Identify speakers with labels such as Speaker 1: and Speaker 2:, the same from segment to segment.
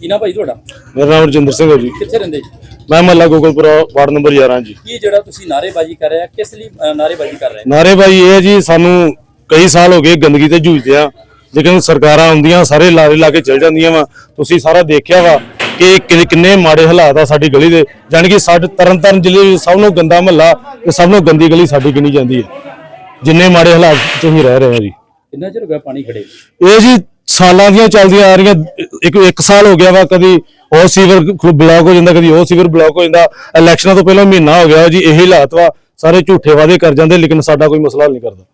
Speaker 1: ਕੀ ਨਾ ਭਾਈ ਤੁਹਾਡਾ?
Speaker 2: मेरा नाम रजिंदर सिंह है जी।
Speaker 1: ਕਿੱਥੇ ਰਹਿੰਦੇ ਜੀ?
Speaker 2: मैं महला गोकुलपुरा वार्ड नंबर 11 जी।
Speaker 1: ਕੀ ਜਿਹੜਾ ਤੁਸੀਂ ਨਾਅਰੇਬਾਜ਼ੀ ਕਰ ਰਹੇ ਆ ਕਿਸ ਲਈ ਨਾਅਰੇਬਾਜ਼ੀ ਕਰ ਰਹੇ?
Speaker 2: नारेबाजी ये है जी, सानू कई साल हो गए गंदगी ते जूझदे आ, लेकिन सरकारां आउंदियां सारे लारे ला के चल जांदियां वा। तुसीं सारा देखिया वा कि किन्ने माड़े हालात आ साडी गली दे, जानी कि साडे तरनताਰਨ ਜ਼ਿਲ੍ਹੇ ਵਿੱਚ ਸਭ ਨੂੰ ਗੰਦਾ ਮਹੱਲਾ ਤੇ ਸਭ ਨੂੰ ਗੰਦੀ ਗਲੀ ਸਾਡੀ ਗਿਣੀ ਜਾਂਦੀ ਹੈ, ਜਿੰਨੇ ਮਾੜੇ ਹਾਲਾਤ 'ਚ ਅਸੀਂ ਰਹਿ ਰਹੇ ਹਾਂ ਜੀ।
Speaker 1: ਕਿੰਨਾ ਚਿਰ ਹੋ ਗਿਆ ਪਾਣੀ ਖੜੇ?
Speaker 2: ਇਹ ਜੀ ਸਾਲਾਂ ਦੀਆਂ ਚੱਲਦੀਆਂ ਆ ਰਹੀਆਂ, ਇੱਕ ਸਾਲ ਹੋ ਗਿਆ ਵਾ, ਕਦੀ ਉਹ ਸੀਵਰ ਬਲੌਕ ਹੋ ਜਾਂਦਾ, ਕਦੀ ਉਹ ਸੀਵਰ ਬਲੌਕ ਹੋ ਜਾਂਦਾ। ਇਲੈਕਸ਼ਨਾਂ ਤੋਂ ਪਹਿਲਾਂ ਮਹੀਨਾ ਹੋ ਗਿਆ ਜੀ, ਇਹੀ ਹਾਲਾਤ ਵਾ, ਸਾਰੇ ਝੂਠੇ ਵਾਅਦੇ ਕਰ ਜਾਂਦੇ ਲੇਕਿਨ ਸਾਡਾ ਕੋਈ ਮਸਲਾ ਹੱਲ ਨਹੀਂ ਕਰਦਾ।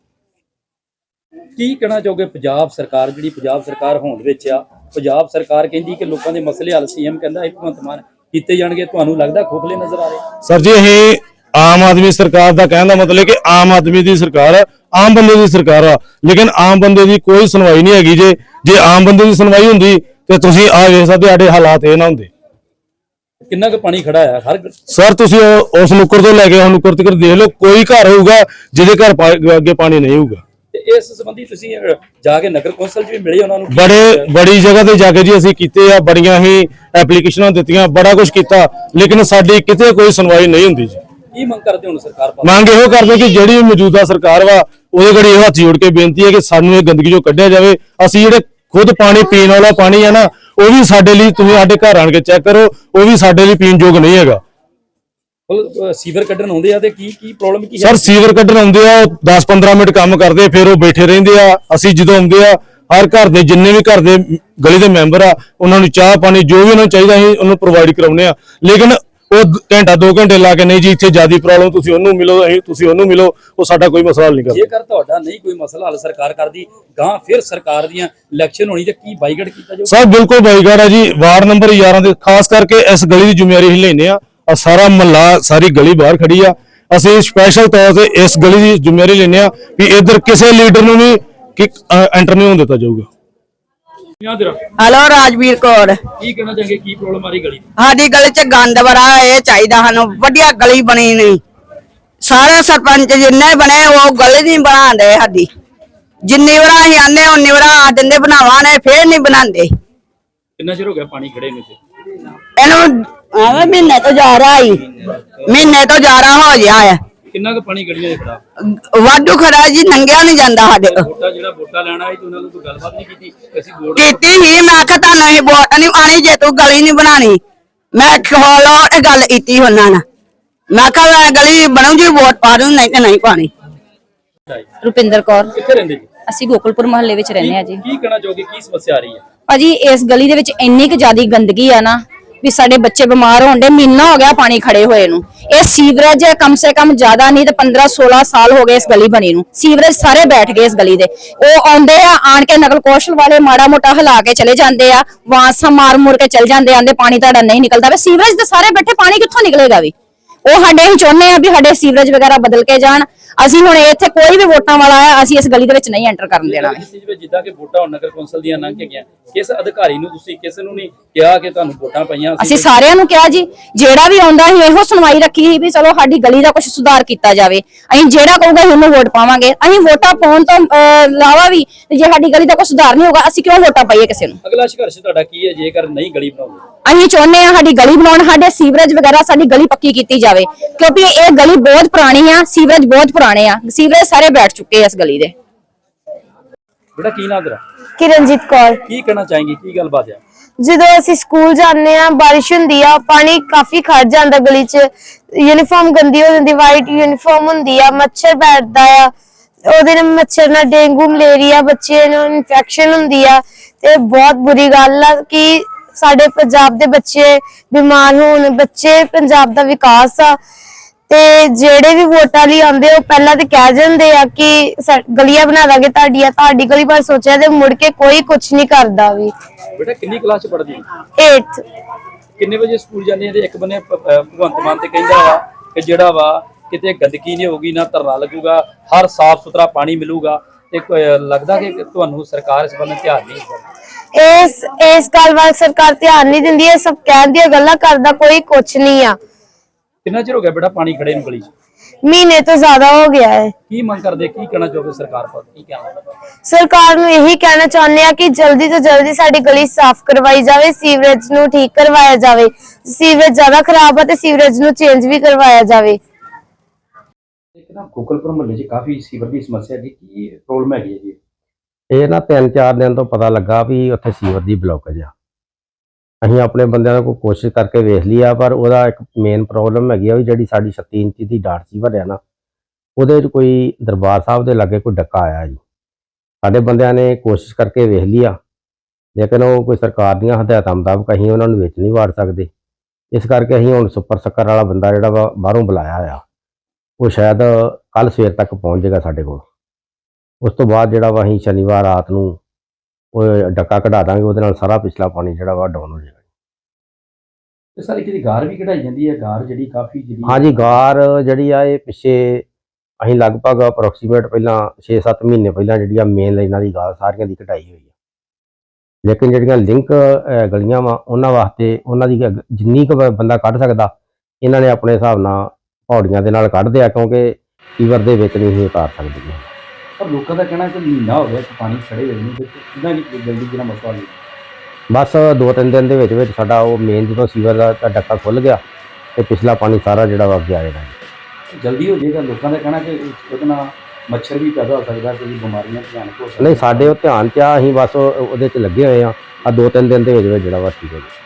Speaker 1: ਕੀ ਕਹਿਣਾ ਚਾਹੋਗੇ? ਪੰਜਾਬ ਸਰਕਾਰ ਜਿਹੜੀ ਪੰਜਾਬ ਸਰਕਾਰ ਹੋਂਦ ਵਿੱਚ ਆ, ਪੰਜਾਬ ਸਰਕਾਰ ਕਹਿੰਦੀ ਕਿ ਲੋਕਾਂ ਦੇ ਮਸਲੇ ਹੱਲ ਸੀਐਮ ਕਹਿੰਦਾ ਭਗਵੰਤ ਮਾਨ ਕੀਤੇ ਜਾਣਗੇ, ਤੁਹਾਨੂੰ ਲੱਗਦਾ ਖੋਖਲੇ ਨਜ਼ਰ ਆ ਰਹੇ?
Speaker 2: ਸਰ ਜੀ ਇਹ ਆਮ ਆਦਮੀ ਸਰਕਾਰ ਦਾ ਕਹਿਣ ਦਾ ਮਤਲਬ ਹੈ ਕਿ ਆਮ ਆਦਮੀ ਦੀ ਸਰਕਾਰ ਹੈ, ਆਮ ਬੰਦੇ ਦੀ ਸਰਕਾਰ ਆ, ਲੇਕਿਨ ਆਮ ਬੰਦੇ ਦੀ ਕੋਈ ਸੁਣਵਾਈ ਨਹੀਂ ਹੈਗੀ। ਜੇ ਆਮ ਬੰਦੇ ਦੀ ਸੁਣਵਾਈ ਹੁੰਦੀ ਤੇ ਤੁਸੀਂ ਆ ਵੇਖ ਸਕਦੇ ਸਾਡੇ ਹਾਲਾਤ ਇਹ ਨਾ ਹੁੰਦੇ।
Speaker 1: ਕਿੰਨਾ ਕੁ ਪਾਣੀ ਖੜਾ ਹੈ ਹਰ?
Speaker 2: ਸਰ ਤੁਸੀਂ ਉਸ ਨੁੱਕਰ ਤੋਂ ਲੈ ਕੇ ਉਹ ਨੁੱਕਰ ਤੱਕ ਦੇਖ ਲਓ, ਕੋਈ ਘਰ ਹੋਊਗਾ ਜਿਹਦੇ ਘਰ ਅੱਗੇ ਪਾਣੀ ਨਹੀਂ ਹੋਊਗਾ।
Speaker 1: ਤੇ ਇਸ ਸੰਬੰਧੀ ਤੁਸੀਂ ਜਾ ਕੇ ਨਗਰ ਕੌਂਸਲ 'ਚ ਵੀ ਮਿਲੇ ਉਹਨਾਂ ਨੂੰ?
Speaker 2: ਬੜੀ ਜਗ੍ਹਾ ਤੇ ਜਾ ਕੇ ਜੀ ਅਸੀਂ ਕੀਤੇ ਆ, ਬੜੀਆਂ ਹੀ ਐਪਲੀਕੇਸ਼ਨਾਂ ਦਿੱਤੀਆਂ, ਬੜਾ ਕੁਝ ਕੀਤਾ, ਲੇਕਿਨ ਸਾਡੀ ਕਿਤੇ ਕੋਈ ਸੁਣਵਾਈ ਨਹੀਂ ਹੁੰਦੀ ਜੀ।
Speaker 1: ਕੀ ਮੰਗ ਕਰਦੇ ਹੁਣ ਸਰਕਾਰ ਪਾਸੋਂ?
Speaker 2: ਮੰਗ ਇਹੋ ਕਰਦੇ ਕਿ ਜਿਹੜੀ ਮੌਜੂਦਾ ਸਰਕਾਰ ਵਾ ਉਹਦੇ ਘੜੀ ਇਹ ਹੱਥ ਜੋੜ ਕੇ ਬੇਨਤੀ ਹੈ ਕਿ ਸਾਨੂੰ ਇਹ ਗੰਦਗੀ ਚੋਂ ਕੱਢਿਆ ਜਾਵੇ। ਅਸੀਂ ਜਿਹੜੇ ਖੁਦ ਪਾਣੀ ਪੀਣ ਵਾਲਾ ਪਾਣੀ ਹੈ ਨਾ, ਉਹ ਵੀ ਸਾਡੇ ਲਈ, ਤੁਸੀਂ ਸਾਡੇ ਘਰ ਆਣ ਕੇ ਚੈੱਕ ਕਰੋ, ਉਹ ਵੀ ਸਾਡੇ ਲਈ ਪੀਣ ਯੋਗ ਨਹੀਂ ਹੈਗਾ।
Speaker 1: ਸੀਵਰ ਕੱਢਣ ਆਉਂਦੇ ਆ ਤੇ ਕੀ ਪ੍ਰੋਬਲਮ ਕੀ ਹੈ?
Speaker 2: ਸਰ ਸੀਵਰ ਕੱਢਣ ਆਉਂਦੇ ਆ, 10-15 ਮਿੰਟ ਕੰਮ ਕਰਦੇ, ਫਿਰ ਉਹ ਬੈਠੇ ਰਹਿੰਦੇ ਆ। ਅਸੀਂ ਜਦੋਂ ਆਉਂਦੇ ਆ, ਹਰ ਘਰ ਦੇ ਜਿੰਨੇ ਵੀ ਘਰ ਦੇ ਗਲੀ ਦੇ ਮੈਂਬਰ ਆ, ਉਹਨਾਂ ਨੂੰ ਚਾਹ ਪਾਣੀ ਜੋ ਵੀ ਉਹਨਾਂ ਨੂੰ ਚਾਹੀਦਾ ਅਸੀਂ ਉਹਨੂੰ ਪ੍ਰੋਵਾਈਡ ਕਰਾਉਂਦੇ ਆ, ਲੇਕਿਨ ਉਹ ਘੰਟਾ 2 ਘੰਟੇ ਲਾ ਕੇ ਨਹੀਂ ਜੀ ਇੱਥੇ ਜਿਆਦੀ ਪ੍ਰੋਬਲਮ ਤੁਸੀਂ ਉਹਨੂੰ ਮਿਲੋ, ਤੁਸੀਂ ਉਹਨੂੰ ਮਿਲੋ, ਉਹ ਸਾਡਾ ਕੋਈ ਮਸਲਾ ਹੱਲ ਨਹੀਂ ਕਰਦਾ।
Speaker 1: ਜੇਕਰ ਤੁਹਾਡਾ ਨਹੀਂ ਕੋਈ ਮਸਲਾ ਹੱਲ ਸਰਕਾਰ ਕਰਦੀ, ਗਾਂ ਫਿਰ ਸਰਕਾਰ ਦੀਆਂ ਇਲੈਕਸ਼ਨ ਹੋਣੀ ਤੇ ਕੀ ਬਾਈਕਾਟ ਕੀਤਾ ਜਾਊ?
Speaker 2: ਸਰ ਬਿਲਕੁਲ ਬਾਈਕਾਟ ਹੈ ਜੀ। ਵਾਰਡ ਨੰਬਰ 11 ਦੇ ਖਾਸ ਕਰਕੇ ਇਸ ਗਲੀ ਦੀ ਜ਼ਿੰਮੇਵਾਰੀ ਹੀ ਲੈਨੇ ਆ, ਸਾਰਾ ਮਹੱਲਾ ਸਾਰੀ ਗਲੀ ਬਾਹਰ ਖੜੀ ਆ। ਅਸੀਂ ਸਪੈਸ਼ਲ ਤੌਰ ਤੇ ਇਸ ਗਲੀ ਦੀ ਜ਼ਿੰਮੇਵਾਰੀ ਲੈਨੇ ਆ ਵੀ ਇੱਧਰ ਕਿਸੇ ਲੀਡਰ ਨੂੰ ਵੀ ਐਂਟਰ ਨਹੀਂ ਹੋਣ ਦਿੱਤਾ ਜਾਊਗਾ।
Speaker 3: हेलो राजवीर कौर।
Speaker 1: ਕੀ ਕਹਿਣਾ ਚਾਹਾਂਗੇ? ਕੀ ਪ੍ਰੋਬਲਮ ਆ ਰਹੀ ਗਲੀ ਦੀ?
Speaker 3: साडी गली च गंद बड़ा है, चाहिए सानू वधिया गली बनी नहीं। सारे सरपंच जिन्ने बने वो गली नहीं बना दे साडी, जिन्नी बार असीं आने उन्नी बार आ दिंदे बनावा ने, फिर नहीं बनांदे।
Speaker 1: ਕਿੰਨਾ ਚਿਰ ਹੋ ਗਿਆ ਪਾਣੀ ਖੜੇ ਨੂੰ?
Speaker 3: इहनू महीने तो जा रहा ही, महीने तो जा रहा हो गया है।
Speaker 1: ਕਿੰਨਾ ਕੁ ਪਾਣੀ ਗਲੀਆਂ ਦੇ ਖੜਾ?
Speaker 3: वाधू खड़ा जी, नंगिया नहीं जांदा साडे कोल।
Speaker 1: ਵੋਟਾਂ ਲੈਣਾ ਆਈ ਤੇ ਉਹਨਾਂ ਨੂੰ ਕੋਈ ਗੱਲਬਾਤ ਨਹੀਂ ਕੀਤੀ? ਅਸੀਂ ਵੋਟ
Speaker 3: ਕੀਤੀ ਹੀ, मैं आखा तुहानू असीं वोट नहीं पानी जे तू गली नहीं बनानी। मैं खोलो गल कीती उन्हां नाल, मैं आखा गली बनू जी वोट पा दूं, नहीं ते नहीं पानी।
Speaker 4: ਰੁਪਿੰਦਰ ਕੌਰ।
Speaker 1: ਕਿੱਥੇ ਰਹਿੰਦੇ ਜੀ?
Speaker 4: ਅਸੀਂ ਗੋਕੁਲਪੁਰ ਮੁਹੱਲੇ ਵਿੱਚ ਰਹਿੰਦੇ ਆ ਜੀ।
Speaker 1: ਕੀ ਕਹਿਣਾ ਚਾਹੋਗੇ? ਕੀ ਸਮੱਸਿਆ ਆ ਰਹੀ ਹੈ
Speaker 4: ਭਾਜੀ ਇਸ ਗਲੀ ਦੇ ਵਿੱਚ ਇੰਨੀ ਕੁ ਜ਼ਿਆਦਾ ਗੰਦਗੀ ਆ ਨਾ ਵੀ ਸਾਡੇ ਬੱਚੇ ਬਿਮਾਰ ਹੋਣ ਦੇ, ਮਹੀਨਾ ਹੋ ਗਿਆ ਪਾਣੀ ਖੜੇ ਹੋਏ ਨੂੰ। ਇਹ ਸੀਵਰੇਜ ਕਮ ਸੇ ਕਮ ਜ਼ਿਆਦਾ ਨਹੀਂ ਤੇ 15-16 ਸਾਲ ਹੋ ਗਏ ਇਸ ਗਲੀ ਬਣੀ ਨੂੰ। ਸੀਵਰੇਜ ਸਾਰੇ ਬੈਠ ਗਏ ਇਸ ਗਲੀ ਦੇ। ਉਹ ਆਉਂਦੇ ਆ, ਆਣ ਕੇ ਨਕਲ ਕੌਸ਼ਲ ਵਾਲੇ ਮਾੜਾ ਮੋਟਾ ਹਿਲਾ ਕੇ ਚਲੇ ਜਾਂਦੇ ਆ, ਵਾਂਸਾ ਮਾਰ ਮੁਰ ਕੇ ਚਲ ਜਾਂਦੇ, ਆਂਦੇ ਪਾਣੀ ਤੁਹਾਡਾ ਨਹੀਂ ਨਿਕਲਦਾ। ਵੇ ਸੀਵਰੇਜ ਦੇ ਸਾਰੇ ਬੈਠੇ, ਪਾਣੀ ਕਿੱਥੋਂ ਨਿਕਲੇਗਾ? ਵੀ ਉਹ ਸਾਡੇ ਹੀ ਚਾਹੁੰਦੇ ਆ ਵੀ ਸਾਡੇ ਸੀਵਰੇਜ ਵਗੈਰਾ ਬਦਲ ਕੇ ਜਾਣ। ਅਸੀਂ ਹੁਣ ਇੱਥੇ ਕੋਈ ਵੀ ਵੋਟਾਂ ਵਾਲਾ ਆਇਆ, ਅਸੀਂ ਇਸ ਗਲੀ ਦੇ ਵਿੱਚ ਨਹੀਂ ਐਂਟਰ ਕਰਨ ਦੇਣਾ।
Speaker 1: ਜਿੱਦਾਂ ਕਿ ਵੋਟਾਂ ਨਗਰ ਕੌਂਸਲ ਦੀਆਂ ਲੰਘ ਕੇ ਗਿਆ, ਕਿਸ ਅਧਿਕਾਰੀ ਨੂੰ ਤੁਸੀਂ ਕਿਸੇ ਨੂੰ ਨਹੀਂ ਕਿਹਾ ਕਿ ਤੁਹਾਨੂੰ ਵੋਟਾਂ ਪਈਆਂ?
Speaker 4: ਅਸੀਂ ਸਾਰਿਆਂ ਨੂੰ ਕਿਹਾ ਜੀ, ਜਿਹੜਾ ਵੀ ਆਉਂਦਾ ਸੀ ਇਹੋ ਸੁਣਵਾਈ ਰੱਖੀ ਸੀ ਵੀ ਚਲੋ ਸਾਡੀ ਗਲੀ ਦਾ ਕੁਝ ਸੁਧਾਰ ਕੀਤਾ ਜਾਵੇ। ਅਸੀਂ ਜਿਹੜਾ ਕਹੂਗਾ ਉਹਨੂੰ ਵੋਟ ਪਾਵਾਂਗੇ। ਅਸੀਂ ਵੋਟਾਂ ਪਾਉਣ ਤੋਂ ਇਲਾਵਾ ਵੀ ਜੇ ਸਾਡੀ ਗਲੀ ਦਾ ਕੋਈ ਸੁਧਾਰ ਨਹੀਂ ਹੋਗਾ, ਅਸੀਂ ਕਿਉਂ ਵੋਟਾਂ ਪਾਈਏ ਕਿਸੇ ਨੂੰ?
Speaker 1: ਅਗਲਾ ਸੰਘਰਸ਼ ਤੁਹਾਡਾ ਕੀ ਹੈ ਜੇਕਰ ਨਹੀਂ ਗਲੀ ਬਣਾਉਂਦੇ?
Speaker 4: ਅਸੀਂ ਚਾਹੁੰਦੇ ਆ ਸਾਡੀ ਗਲੀ ਬਣਾਉਣ, ਸਾਡੇ ਸੀਵਰੇਜ ਵਗੈਰਾ ਸਾਡੀ ਗਲੀ ਪੱਕੀ ਕੀਤੀ ਜਾਵੇ, ਕਿਉਂਕਿ ਇਹ ਗਲੀ ਬਹੁਤ ਪੁਰਾਣੀ ਆ, ਸੀਵਰੇਜ ਬਹੁਤ ਪੁਰਾਣੇ ਆ, ਸੀਵਰੇਜ ਸਾਰੇ ਬੈਠ ਚੁੱਕੇ ਆ ਇਸ ਗਲੀ ਦੇ।
Speaker 1: ਬੇਟਾ ਕੀ ਨਾਮ ਤੇਰਾ?
Speaker 5: किरणजीत कौर।
Speaker 1: ਕੀ ਕਹਿਣਾ ਚਾहेंगे? ਕੀ ਗੱਲਬਾਤ ਹੈ?
Speaker 5: ਜਦੋਂ ਅਸੀਂ ਸਕੂਲ ਜਾਂਦੇ ਆ, ਬਾਰਿਸ਼ ਹੁੰਦੀ ਆ, ਪਾਣੀ ਕਾਫੀ ਖੜ ਜਾਂਦਾ ਗਲੀ 'ਚ, ਯੂਨੀਫਾਰਮ ਗੰਦੀ ਹੋ ਜਾਂਦੀ, ਵਾਈਟ ਯੂਨੀਫਾਰਮ ਹੁੰਦੀ ਆ, ਮੱਛਰ ਬੈਠਦਾ ਆ, ਉਹਦੇ ਨਾਲ ਮੱਛਰ ਨਾਲ ਡੇਂਗੂ ਮਲੇਰੀਆ ਬੱਚੇ ਨੂੰ ਇਨਫੈਕਸ਼ਨ ਹੁੰਦੀ ਆ। ਤੇ ਬਹੁਤ ਬੁਰੀ ਗੱਲ ਆ ਕਿ ਸਾਡੇ ਪੰਜਾਬ ਦੇ ਬੱਚੇ ਬਿਮਾਰ ਹੋਣ। ਬੱਚੇ ਪੰਜਾਬ ਦਾ ਵਿਕਾਸ ਆ, ਤੇ ਜਿਹੜੇ ਵੀ ਵੋਟਾਂ ਲਈ ਆਉਂਦੇ ਉਹ ਪਹਿਲਾਂ ਤੇ ਕਹਿ ਜਾਂਦੇ ਆ ਕਿ ਗਲੀਆਂ ਬਣਾ ਦਾਂਗੇ ਤੁਹਾਡੀਆਂ, ਤੁਹਾਡੀ ਗਲੀ ਪਰ ਸੋਚਿਆ ਤੇ ਮੁੜ ਕੇ ਕੋਈ ਕੁਝ ਨਹੀਂ ਕਰਦਾ ਵੀ।
Speaker 1: ਬੇਟਾ ਕਿੰਨੀ ਕਲਾਸ ਚ ਪੜ੍ਹਦੀ ਹੈ?
Speaker 5: 8th।
Speaker 1: ਕਿੰਨੇ ਵਜੇ ਸਕੂਲ ਜਾਂਦੇ ਆ? ਤੇ ਇੱਕ ਬੰਨੇ ਭਗਵੰਤ ਮਾਨ ਤੇ ਕਹਿੰਦਾ ਵਾ ਕਿ ਜਿਹੜਾ ਵਾ ਕਿਤੇ ਗੰਦਗੀ ਨਹੀਂ ਹੋਊਗੀ, ਨਾ ਧਰਨਾ ਲੱਗੂਗਾ, ਹਰ ਸਾਫ ਸੁਥਰਾ ਪਾਣੀ ਮਿਲੂਗਾ। ਤੇ ਲੱਗਦਾ ਕਿ ਤੁਹਾਨੂੰ ਸਰਕਾਰ ਇਸ ਬੰਨੇ ਧਿਆਨ ਨਹੀਂ ਦਿੰਦੀ?
Speaker 5: ਇਸ ਗੱਲ ਵੱਲ ਸਰਕਾਰ ਧਿਆਨ ਨਹੀਂ ਦਿੰਦੀ। ਇਹ ਸਭ ਕਹਿਣ ਦੀਆਂ ਗੱਲਾਂ ਕਰਦਾ ਕੋਈ ਕੁਝ ਨਹੀਂ ਆ।
Speaker 1: ਕਿੰਨਾ ਚਿਰ ਹੋ ਗਿਆ ਬੇਟਾ ਪਾਣੀ ਖੜੇ ਨੂੰ ਗਲੀ 'ਚ?
Speaker 5: ਮਹੀਨੇ ਤੋਂ ਜ਼ਿਆਦਾ ਹੋ ਗਿਆ ਹੈ।
Speaker 1: ਕੀ ਮੰਗ ਕਰਦੇ, ਕੀ ਕਹਿਣਾ ਚਾਹੋਗੇ ਸਰਕਾਰ ਕੋਲ, ਕੀ ਕਹਿਣਾ?
Speaker 5: ਸਰਕਾਰ ਨੂੰ ਇਹੀ ਕਹਿਣਾ ਚਾਹੁੰਦੇ ਆ ਕਿ ਜਲਦੀ ਤੋਂ ਜਲਦੀ ਸਾਡੀ ਗਲੀ ਸਾਫ਼ ਕਰਵਾਈ ਜਾਵੇ, ਸੀਵਰੇਜ ਨੂੰ ਠੀਕ ਕਰਵਾਇਆ ਜਾਵੇ। ਸੀਵਰੇਜ ਜ਼ਿਆਦਾ ਖਰਾਬ ਹੈ ਤੇ ਸੀਵਰੇਜ ਨੂੰ ਚੇਂਜ ਵੀ ਕਰਵਾਇਆ ਜਾਵੇ।
Speaker 1: ਇੱਕ ਨਾ ਗੋਕਲਪੁਰ ਮੁਹੱਲੇ 'ਚ ਕਾਫੀ ਸੀਵਰ ਦੀ ਸਮੱਸਿਆ ਜੀ, ਕੀ ਪ੍ਰੋਬਲਮ ਹੈਗੀ ਹੈ ਜੀ?
Speaker 6: ਇਹ ਨਾ 3-4 ਦਿਨ ਤੋਂ ਪਤਾ ਲੱਗਾ ਵੀ ਉੱਥੇ ਸੀਵਰ ਦੀ ਬਲੌਕੇਜ ਆ। ਅਸੀਂ ਆਪਣੇ ਬੰਦਿਆਂ ਨਾਲ ਕੋਈ ਕੋਸ਼ਿਸ਼ ਕਰਕੇ ਵੇਖ ਲਈ ਆ, ਪਰ ਉਹਦਾ ਇੱਕ ਮੇਨ ਪ੍ਰੋਬਲਮ ਹੈਗੀ ਆ ਵੀ ਜਿਹੜੀ ਸਾਡੀ 36 ਇੰਚੀ ਦੀ ਡਾਟ ਸੀਵਰ ਆ ਨਾ, ਉਹਦੇ 'ਚ ਕੋਈ ਦਰਬਾਰ ਸਾਹਿਬ ਦੇ ਲਾਗੇ ਕੋਈ ਡੱਕਾ ਆਇਆ ਜੀ। ਸਾਡੇ ਬੰਦਿਆਂ ਨੇ ਕੋਸ਼ਿਸ਼ ਕਰਕੇ ਵੇਖ ਲਈ ਆ, ਲੇਕਿਨ ਉਹ ਕੋਈ ਸਰਕਾਰ ਦੀਆਂ ਹਦਾਇਤਾਂ ਮੁਤਾਬਕ ਅਸੀਂ ਉਹਨਾਂ ਨੂੰ ਵਿੱਚ ਨਹੀਂ ਵਾੜ ਸਕਦੇ। ਇਸ ਕਰਕੇ ਅਸੀਂ ਹੁਣ ਸੁਪਰ ਸੱਕਰ ਵਾਲਾ ਬੰਦਾ ਜਿਹੜਾ ਵਾ ਬਾਹਰੋਂ ਬੁਲਾਇਆ ਆ, ਉਹ ਸ਼ਾਇਦ ਕੱਲ ਸਵੇਰ ਤੱਕ ਪਹੁੰਚ ਜਾਏਗਾ ਸਾਡੇ ਕੋਲ। ਉਸ ਤੋਂ ਬਾਅਦ ਜਿਹੜਾ ਵਾ ਅਸੀਂ ਸ਼ਨੀਵਾਰ ਰਾਤ ਨੂੰ ਉਹ ਡੱਕਾ ਕਢਾ ਦਾਂਗੇ, ਉਹਦੇ ਨਾਲ ਸਾਰਾ ਪਿਛਲਾ ਪਾਣੀ ਜਿਹੜਾ ਵਾ ਡਾਊਨ ਹੋ ਜਾਏਗਾ।
Speaker 1: ਤੇ ਸਾਰੀ ਕਿਹਦੀ ਗਾਰ ਵੀ ਕਢਾਈ ਜਾਂਦੀ ਹੈ, ਗਾਰ ਜਿਹੜੀ ਕਾਫੀ ਜਿਹੜੀ
Speaker 6: ਹਾਂਜੀ, ਗਾਰ ਜਿਹੜੀ ਆ ਇਹ ਪਿੱਛੇ ਅਸੀਂ ਲਗਭਗ ਅਪਰੋਕਸੀਮੇਟ ਪਹਿਲਾਂ 6-7 ਮਹੀਨੇ ਪਹਿਲਾਂ ਜਿਹੜੀ ਆ ਮੇਨ ਲਾਈਨਾਂ ਦੀ ਗਾਰ ਸਾਰੀਆਂ ਦੀ ਕਢਾਈ ਹੋਈ ਆ। ਲੇਕਿਨ ਜਿਹੜੀਆਂ ਲਿੰਕ ਗਲੀਆਂ ਵਾ ਉਹਨਾਂ ਵਾਸਤੇ ਉਹਨਾਂ ਦੀ ਜਿੰਨੀ ਕੁ ਬੰਦਾ ਕੱਢ ਸਕਦਾ ਇਹਨਾਂ ਨੇ ਆਪਣੇ ਹਿਸਾਬ ਨਾਲ ਪੌੜੀਆਂ ਦੇ ਨਾਲ ਕੱਢਦੇ ਆ, ਕਿਉਂਕਿ ਸੀਵਰ ਦੇ ਵਿੱਚ ਨਹੀਂ ਹੀ ਉਤਾਰ ਸਕਦੇ।
Speaker 1: ਪਰ ਲੋਕਾਂ ਦਾ ਕਹਿਣਾ ਕਿ ਮਹੀਨਾ ਹੋ ਗਿਆ ਕਿ ਪਾਣੀ ਖੜੇ ਹੋਏ ਨੂੰ, ਤੇ ਕਿਦਾਂ ਨਹੀਂ ਜਲਦੀ ਜਿਹੜਾ ਮਸਲਾ ਨਹੀਂ?
Speaker 6: ਬਸ 2-3 ਦਿਨ ਦੇ ਵਿੱਚ ਵਿੱਚ ਸਾਡਾ ਉਹ ਮੇਨ ਜਦੋਂ ਸੀਵਰ ਦਾ ਡੱਕਾ ਖੁੱਲ ਗਿਆ ਤੇ ਪਿਛਲਾ ਪਾਣੀ ਸਾਰਾ ਜਿਹੜਾ ਵਾ ਅੱਗੇ ਆ ਜਾਏਗਾ।
Speaker 1: ਜਲਦੀ ਹੋ ਜਾਏਗਾ। ਲੋਕਾਂ ਦਾ ਕਹਿਣਾ ਕਿ ਉਹਦੇ ਨਾਲ ਮੱਛਰ ਵੀ ਪੈਦਾ ਹੋ ਸਕਦਾ, ਕੋਈ ਬਿਮਾਰੀਆਂ ਭਿਆਨਕ ਹੋ ਸਕਦੀਆਂ।
Speaker 6: ਨਹੀਂ, ਸਾਡੇ ਉਹ ਧਿਆਨ 'ਚ ਆ, ਅਸੀਂ ਬਸ ਉਹਦੇ 'ਚ ਲੱਗੇ ਹੋਏ ਆ। 2-3 ਦਿਨ ਦੇ ਵਿੱਚ ਜਿਹੜਾ ਵਾ ਠੀਕ ਹੋ ਜਾਏਗਾ।